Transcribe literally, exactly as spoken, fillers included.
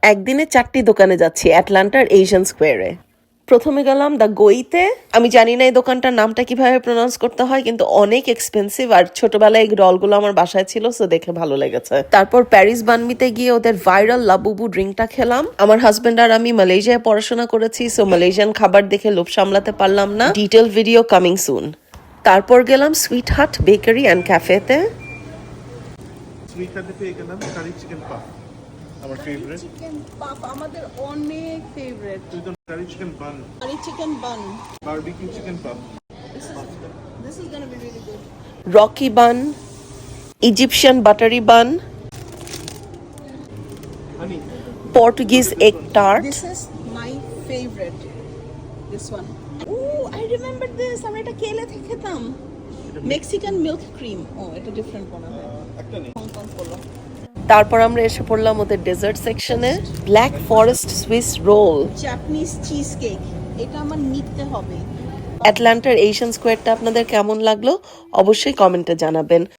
একদিনে চারটি দোকানে যাচ্ছি অ্যাটলান্টার এশিয়ান স্কোয়ারে। প্রথমে গেলাম দ্য গোইতে। আমি জানি না এই দোকানটার নামটা কিভাবে প্রোনাউন্স করতে হয়, কিন্তু অনেক এক্সপেন্সিভ, আর ছোটবেলায় এই রলগুলো আমার বাসায় ছিল, সো দেখে ভালো লেগেছে। তারপর প্যারিস বানমিতে গিয়ে ওদের ভাইরাল লাবুবু ড্রিঙ্কটা খেলাম। আমার হাজবেন্ড আর আমি মালয়েশিয়ায় পড়াশোনা করেছি, সো মালয়েশিয়ান খাবার দেখে লোভ সামলাতে পারলাম না। Detail video coming soon. তারপর গেলাম সুইট হাট বেকারি অ্যান্ড ক্যাফেতে। সুইট হাটে পেয়ে গেলাম কারি চিকেন পাফ, আমার ফেভারিট। চিকেন পাপ আমাদের অনেক favourite. Curry chicken bun, curry chicken bun, barbecue chicken puff. this is going to be really good. Rocky bun, Egyptian buttery bun, honey, Portuguese egg tart. This is my favorite, this one. Oh, I remember this. আমরা এটা কেলে থেকে খেতাম, Mexican milk cream. ও এটা different মনে হয়, একটা নেই। হংকং পোলো। তারপর আমরা এসে পড়লাম ওদের ডেজার্ট সেকশনে। Black forest Swiss roll. Japanese cheese cake, এটা আমার নিতে হবে। অ্যাটলান্টার এশিয়ান স্কোয়ারটা আপনাদের কেমন লাগলো অবশ্যই কমেন্টে জানাবেন।